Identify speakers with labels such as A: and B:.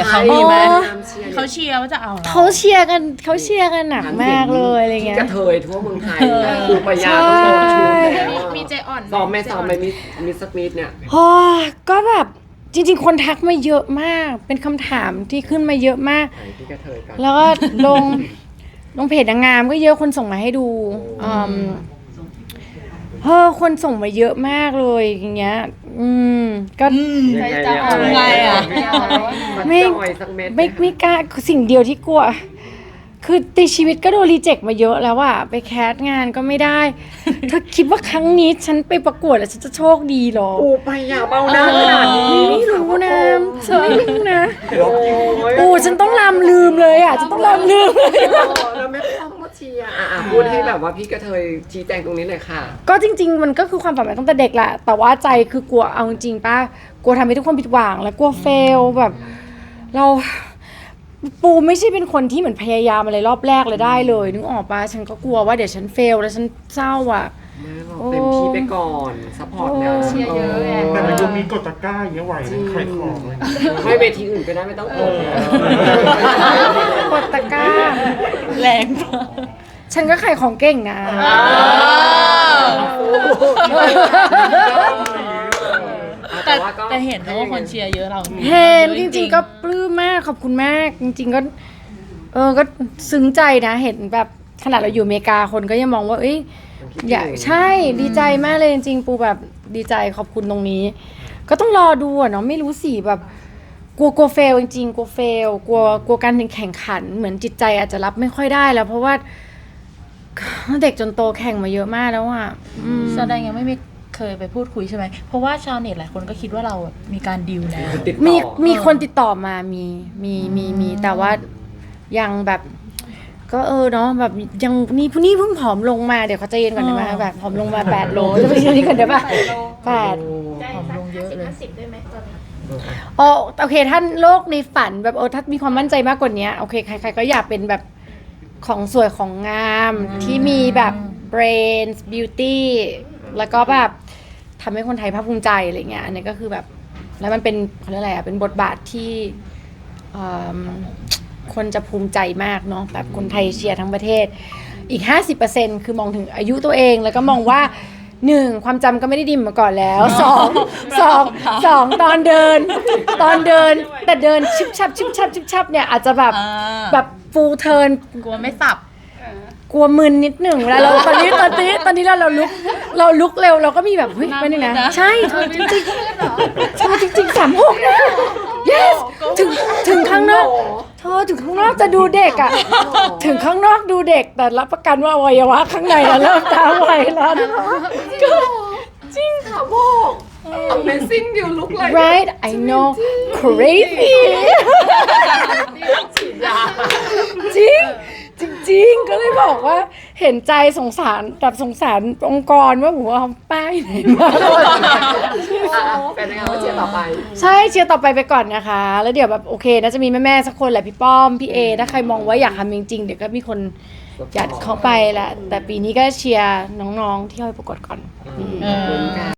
A: เขามีไหม
B: เขาเชียร์ว่าจะเอาเรา
C: เขาเชียร์กันหนักมากเลยอะไรเงี้ย
A: กระเทยทั่วเมืองไทยคือปยาต้องโดนชูแล้ว
B: มีใจอ่อน
A: ซ้อมไม่ซ้อมไม่มีสักนิดเนี่ย
C: โอ้ก็แบบจริงๆคนทักมาเยอะมากเป็นคำถามที่ขึ้นมาเยอะมาก
A: ไหนที่กระเทยกัน
C: แล้วก็ลงเพจนางงามก็เยอะคนส่งมาให้ดูคนส่งมาเยอะมากเลยอย่างเงี้ยก็
A: ยังไง
B: จะเอาไงอ่ะ
A: ไม่จ่อยสักเม็ด
C: ไม่กล้าสิ่งเดียวที่กลัว คือในชีวิตก็โดนรีเจ็คมาเยอะแล้วอะไปแคสงานก็ไม่ได้เธอคิดว่าครั้งนี้ฉันไปประกวดแล้วฉันจะโชคดีหรอ
A: ปูปยาเบาหน้าขนาดนี้
C: ไม่รู้นะฉันไม่รู้นะ
A: โอ้ย
C: ฉันต้องลำลืมเลยอะฉันต้องลำลืมเลย
A: แล้วแม่ป้อมก็เชียร์พูดให้แบบว่าพี่กระเทยชี้แจงตรงนี้เลยค่ะ
C: ก็จริงๆมันก็คือความฝันมาตั้งแต่เด็กแหละแต่ว่าใจคือกลัวเอาจริงๆป้ากลัวทำให้ทุกคนผิดหวังแล้วกลัวเฟลแบบเราปูไม่ใช่เป็นคนที่เหมือนพยายามอะไรรอบแรกเลยได้เลยนึกออกปะฉันก็กลัวว่าเดี๋ยวฉันเฟลแล้วฉันเศร้าอ่ะ
A: แม่บอกเต็มที่ไปก่อนซัพพอร์ตนะ
B: เชียร์เยอะไง
D: แต่มันยังมีกดตะกร้าอย่างเงี้ยไหวเลยขายของเลย
A: ไม่เวทีอื่นก็ได้ไม่ต้องกด
C: กดตะกร้า
B: แรงมาก
C: ฉันก็ขายของเก่งนะ
B: แต่เห็นนะว่าคนเชียร์เยอะเรา
C: เห็นจริงๆก็ปลื้มมากขอบคุณมาก จริงๆก็ก็ซึ้งใจนะเห็นแบบขนาดเราอยู่อเมริกาคนก็ยังมองว่าเอ้ยอย่าใช่ดีใจมากเลยจริงๆปูแบบดีใจขอบคุณตรงนี้ ก็ต้องรอดูอะเนาะไม่รู้สิแบบกลัวเฟลจริงๆกลัวเฟลกลัวการแข่งขันเหมือนจิตใจอาจจะรับไม่ค่อยได้แล้วเพราะว่าเด็กจนโตแข่งมาเยอะมากแล้วอะ
B: แสดงยังไม่เคยไปพูดคุยใช่ไหมเพราะว่าชาวเน็ตหลายคนก็คิดว่าเรามีการดีลแล้ว
A: ติดต่อ
C: มีคนติดต่อมามีแต่ว่ายังแบบก็เนาะแบบยังนี่ผู้นี้เพิ่งผอมลงมาเดี๋ยวเขาใจเย็นก่อนได้ไหมแบบผอมลงมา8 โลจะไปเรื่องนี้ก่อนได้ปะ8
B: ผอมลงเยอะเลย
C: อ๋อโอเคท่านโลกในฝันแบบถ้ามีความมั่นใจมากกว่านี้โอเคใครๆก็อยากเป็นแบบของสวยของงามที่มีแบบ brains beauty แล้วก็แบบทำให้คนไทยภาคภูมิใจอะไรเงี้ยอันนี้ก็คือแบบแล้วมันเป็นเขาเรียกอะไรเป็นบทบาทที่คนจะภูมิใจมากเนาะแบบคนไทยเชียร์ทั้งประเทศอีก 50% คือมองถึงอายุตัวเองแล้วก็มองว่า1ความจำก็ไม่ได้ดีมาก่อนแล้ว2ตอนเดินแต่เดินชิบชับเนี่ยอาจจะแบบฟูลเทิร์น
B: กลัวไม่สับ
C: กลัวมึนนิดหนึ่งเวลาเราตอนนี้เราลุกเร็วเราก็มีแบบเฮ้ยไปหนึ่งนะใช่เธอจริงๆเธอจริงๆ36นะ yes ถึงข้างนอกเธอถึงข้างนอกจะดูเด็กอ่ะถึงข้างนอกดูเด็กแต่รับประกันว่าอวัยวะข้างในเราเริ่มตาไหวแล้วก็จริงค่ะบอก
A: Amazing you look like
C: right I know crazy จริงก็เลยบอกว่าเห็นใจสงสารแบบสงสารองค์กรว่าผมว่าเอาป้ายไหนมา
A: เป็นยังไงว่าเชียร์ต่อไป
C: ใช่เชียร์ต่อไปก่อนนะคะแล้วเดี๋ยวแบบโอเคน่าจะมีแม่ๆสักคนแหละพี่ป้อมพี่เอถ้าใครมองว่าอยากทำจริงๆเดี๋ยวก็มีคนยัดเข้าไปแหละแต่ปีนี้ก็เชียร์น้องๆที่เข้าไปประกวดก่อน